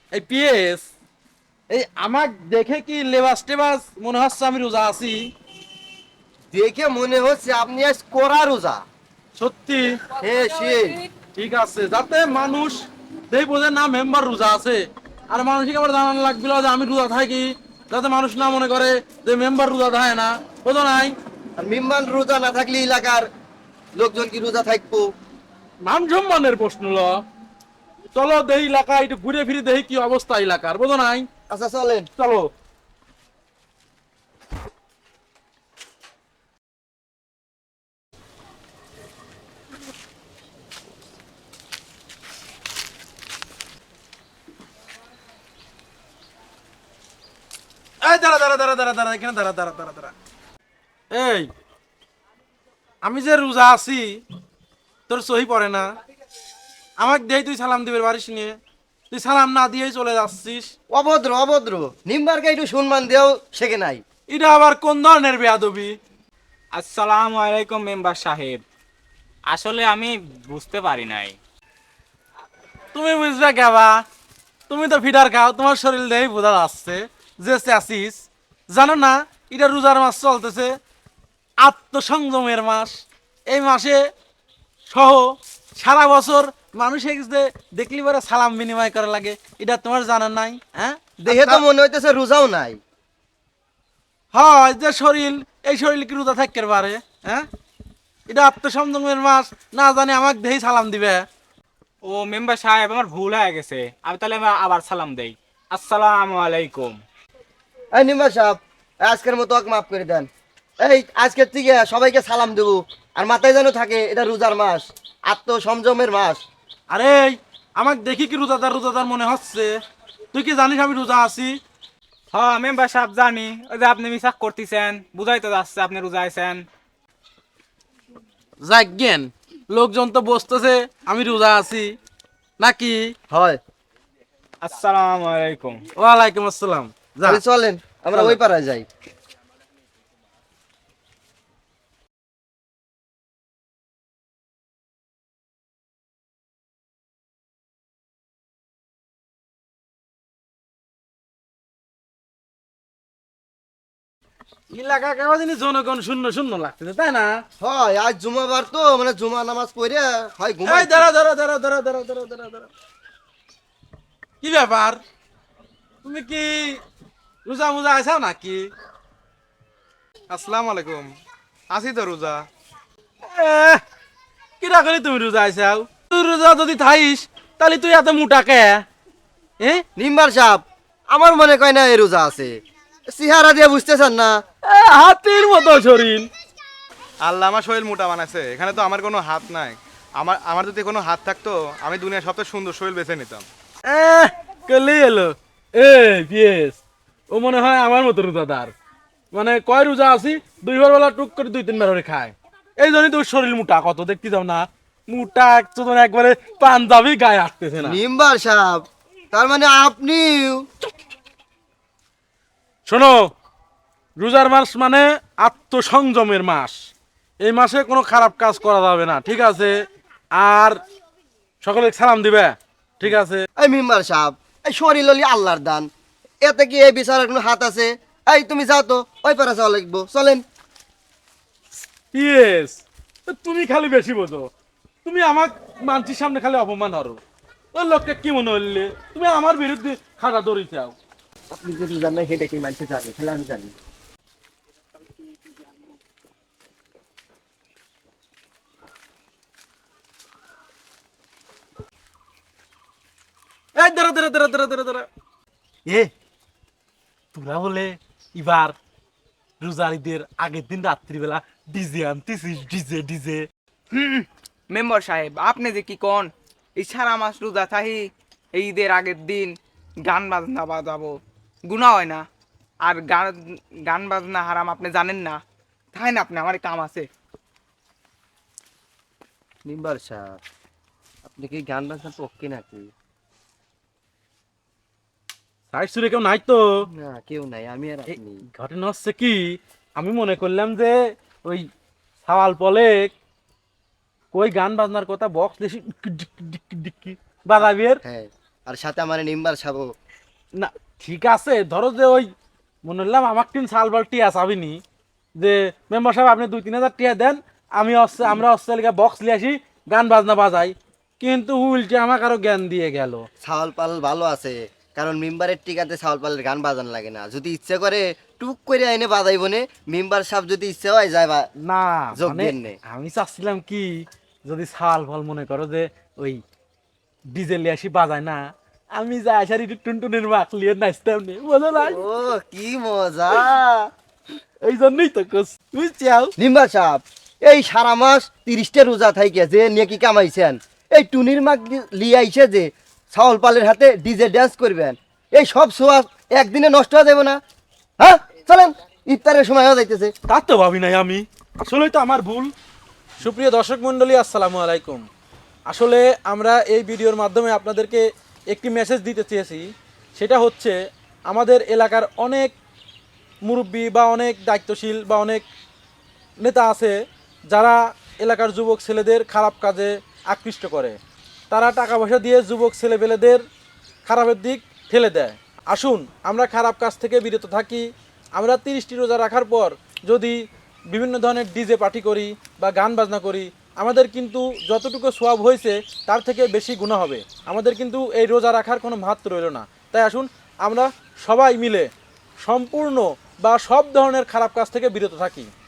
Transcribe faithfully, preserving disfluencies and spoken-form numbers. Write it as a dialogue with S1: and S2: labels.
S1: এই পিএস, এই আমাক দেখে কি লেবাস টেবাস মনে হচ্ছে আমি রোজা আছি?
S2: দেখে মনে হচ্ছে আপনি আজ কড়া রোজা।
S1: সত্যি?
S2: হ্যাঁ সেই।
S1: ঠিক আছে, যাতে মানুষ দেই বোঝে না মেম্বার রোজা আছে। আর মানুষকে আবার জানানো লাগছিল যে আমি রোজা থাকি, যাতে মানুষ না মনে করে যে মেম্বার রোজা থাকে না। বোঝো নাই?
S2: আর মিম্মান রোজা না থাকলে এলাকার লোকজন কি রোজা থাকবো?
S1: মান সম্মানের প্রশ্ন ল। চলো দেহি এলাকা একটু ঘুরে ফিরে দেখি কি অবস্থা এলাকার। বোঝো নাই?
S2: আচ্ছা চলেন।
S1: চলো। এই দাঁড়া দাঁড়া দাঁড়া দাঁড়া দাঁড়া এখানে দাঁড়া দাঁড়া দাঁড়া দাঁড়া। এই, আমি যে রোজা আছি তোর সহি পড়ে না? আমাকে দেই তুই সালাম দিবে বাড়িস নিয়ে, তুই সালাম না দিয়েই চলে যাচ্ছিস।
S2: অভদ্র অভদ্র, নিম্বারকে একটু সম্মান দেও শেখে নাই।
S1: এটা আবার কোন ধরনের বেয়াদবি?
S3: আসসালামু আলাইকুম মেম্বার সাহেব। আসলে আমি বুঝতে পারি নাই।
S1: তুমি বুঝবে কেবা? তুমি তো ফিডার খাও, তোমার শরীর দেই বোঝা যাচ্ছে যে আসিস। জানো না এটা রোজার মাস চলতেছে, আত্মসংযমের মাস। এই মাসে সহ সারা বছর মানুষের যে দেখলি পরে সালাম বিনিময় করা লাগে, এটা তোমার জানা নাই? হ্যাঁ,
S2: দেখে তো মনে হইতেছে রোজাও নাই।
S1: হয় যে শরীর, এই শরীর কি রোজা থাকতে পারে? হ্যাঁ, এটা আত্মসংযমের মাস, না জানি আমাকে দেই সালাম দিবে।
S3: ও মেম্বার সাহেব, আমার ভুল হয়ে গেছে। আমি তাহলে আমি আবার সালাম দেই। আসসালামু আলাইকুম।
S2: এই নিম্বার সাহেব, আজকের মতো ওকে মাফ করে দেন। এই আজকের থেকে সবাইকে সালাম দেবো, আর মাথায় যেন থাকে এটা রোজার মাস, আত্মসংযমের মাস।
S1: আরে আমাকে দেখি কি রোজাদার রোজাদার মনে হচ্ছে? তুই কি জানিস আমি রোজা আছি?
S3: হ্যাঁ মেম্বার সাহেব জানি। ওই যে আপনি মিসাক করতেছেন, বুঝাই তো যাচ্ছে আপনি রোজা আছেন।
S1: যাজ্ঞেন, লোকজন তো বসতেছে আমি রোজা আছি নাকি?
S2: হয়।
S3: আসসালামু আলাইকুম।
S1: ওয়ালাইকুম আসসালাম। যা,
S2: তাহলে চলেন আমরা
S1: চলো।
S2: ওই পাড়ায় যাই।
S1: এলাকা কেমন জানি জনগণ শূন্য শূন্য লাগতেছে, তাই না?
S2: হয় আজ জুমাবার তো, মানে জুমা নামাজ পড়ে হয় ঘুমাই।
S1: এই দাঁড়া দাঁড়া দাঁড়া দাঁড়া দাঁড়া দাঁড়া দাঁড়া দাঁড়া। কি ব্যাপার? তুমি কি রোজা মোজা আইসাও নাকি?
S4: আসসালামু আলাইকুম। আছি তো রোজা।
S1: এহ, কিরা করে তুমি রোজা আইসাও? তুই রোজা যদি থাইস তাহলে তুই এত মোটা কে? এ
S2: নিম্বার সাহেব, আমার মনে কয় না এই রোজা আছে, চেহারা দিয়ে বুঝতেছেন না।
S1: এ, হাতির মতো শরীর।
S4: আল্লাহ আমার শরীর মোটা বানাইছে, এখানে তো আমার কোনো হাত নাই। আমার আমার যদি কোনো হাত থাকতো আমি দুনিয়ার সবচেয়ে সুন্দর শরীর বেছে নিতাম।
S1: এহ, কেলি এলো। এ পিএস, ও মনে হয় আমার মতো রোজাদার। মানে কয় রোজা আছি, দুইবার বেলা টুক করে দুই তিনবার করে খায়। এই জন্যই তোর শরীর মোটা, কত দেখতে যাও না। মোটা একজন একবারে পাঞ্জাবি গায়ে আসতেছে না।
S2: নিম্বার সাহেব, তার মানে আপনি।
S1: শোনো, রোজার মাস মানে আত্মসংযমের মাস। এই মাসে কোনো খারাপ কাজ করা যাবে না, ঠিক আছে? আর সকলে সালাম দিবে, ঠিক আছে?
S2: এই মেম্বার সাহেব, এই শরীর হলি আল্লাহর দান, এতে কি এই বিচারের কোনো হাত আছে? এই তুমি যাও তো, ওই পারে যাওয়া লাগবো, চলেন।
S1: ইয়েস, তুমি খালি বেশি বোঝো। তুমি আমার মানসির সামনে খালি অপমান হরো। ওই লোককে কি মনে হইলে তুমি আমার বিরুদ্ধে খাটা দড়ি চাও?
S2: আপনি যদি জানেন সেটা কি মানতে জানি, তাহলে আমি জানি।
S1: এই দাঁড়া দাঁড়া দাঁড়া দাঁড়া দাঁড়া দাঁড়া। এ তোরা বলে এবার রোজার ঈদের আগের দিন রাত্রিবেলা ডিজে আনতেছিস? ডিজে ডিজে
S5: মেম্বার সাহেব, আপনি যে কি কোন, এই সারা মাস রোজা থাহি, এই ঈদের আগের দিন গান বাজনা বাজাবো, গুণা হয় না? আর গান গান বাজনা হারাম আপনি জানেন না? তাই না, আপনি আমার কাম আছে।
S2: মেম্বার সাহেব, আপনি কি গান বাজনা পক্ষে নাকি?
S1: সাইড সুরে কেউ নাই তো?
S2: না কেউ নাই, আমি আর
S1: এই
S2: আপনি।
S1: ঘটনা হচ্ছে কি, আমি মনে করলাম যে ওই সাওয়াল পলে কই গান বাজনার কথা বক্স দেশি বাজাবি এর।
S2: হ্যাঁ আর সাথে আমার নিম্বার সাবো।
S1: না ঠিক আছে, ধরো যে ওই মনে হলাম আমার তিন সাল বল টিয়া চাবিনি যে মেম্বার সাহেব আপনি দুই তিন হাজার টিয়া দেন, আমি হচ্ছে আমরা অস্ট্রেলিয়া বক্স নিয়ে আসি, গান বাজনা বাজাই। কিন্তু উল্টে আমাকে আরো জ্ঞান দিয়ে গেল।
S2: ছাওয়াল পাল ভালো আছে, কারণ মেম্বারের টিকাতে ছাওয়াল পালের গান বাজান লাগে না। যদি ইচ্ছে করে টুক করে আইনে বাজাইব নে, মেম্বার সাহেব যদি ইচ্ছে হয় যায় বা
S1: না
S2: যোগ
S1: মানে
S2: দেন নে।
S1: আমি চাচ্ছিলাম কি, যদি সাল ফল মনে করো যে ওই ডিজেল আসি বাজায় না, আমি যাই আসার একটু টুনটুনের মাখ লিয়ে নাচতাম নে, মজা নাই।
S2: ও কি মজা।
S1: এই জন্যই তো কোস বুঝছাও।
S2: নিম্বার সাহেব, এই সারা মাস তিরিশটা রোজা থাইকে যে নিয়ে কি কামাইছেন, এই টুনির মাক লিয়ে আইছে যে ছাওয়াল পালের হাতে ডিজে ড্যান্স করবেন, এই সব সোয়া একদিনে নষ্ট হয়ে যাবে না? হ্যাঁ চলেন, ইফতারের সময় হয়ে যাইতেছে।
S1: তা তো ভাবি নাই আমি, আসলেই তো আমার ভুল। সুপ্রিয় দর্শক মণ্ডলী, আসসালামু আলাইকুম। আসলে আমরা এই ভিডিওর মাধ্যমে আপনাদেরকে একটি মেসেজ দিতে চেয়েছি। সেটা হচ্ছে, আমাদের এলাকার অনেক মুরব্বী বা অনেক দায়িত্বশীল বা অনেক নেতা আছে যারা এলাকার যুবক ছেলেদের খারাপ কাজে আকৃষ্ট করে। তারা টাকা পয়সা দিয়ে যুবক ছেলেপেলেদের খারাপের দিক ঠেলে দেয়। আসুন আমরা খারাপ কাজ থেকে বিরত থাকি। আমরা তিরিশটি রোজা রাখার পর যদি বিভিন্ন ধরনের ডিজে পার্টি করি বা গান বাজনা করি, আমাদের কিন্তু যতটুকু সোয়াব হয়েছে তার থেকে বেশি গুনাহ হবে। আমাদের কিন্তু এই রোজা রাখার কোনো মাহাত্ম্য রইল না। তাই আসুন আমরা সবাই মিলে সম্পূর্ণ বা সব ধরনের খারাপ কাজ থেকে বিরত থাকি।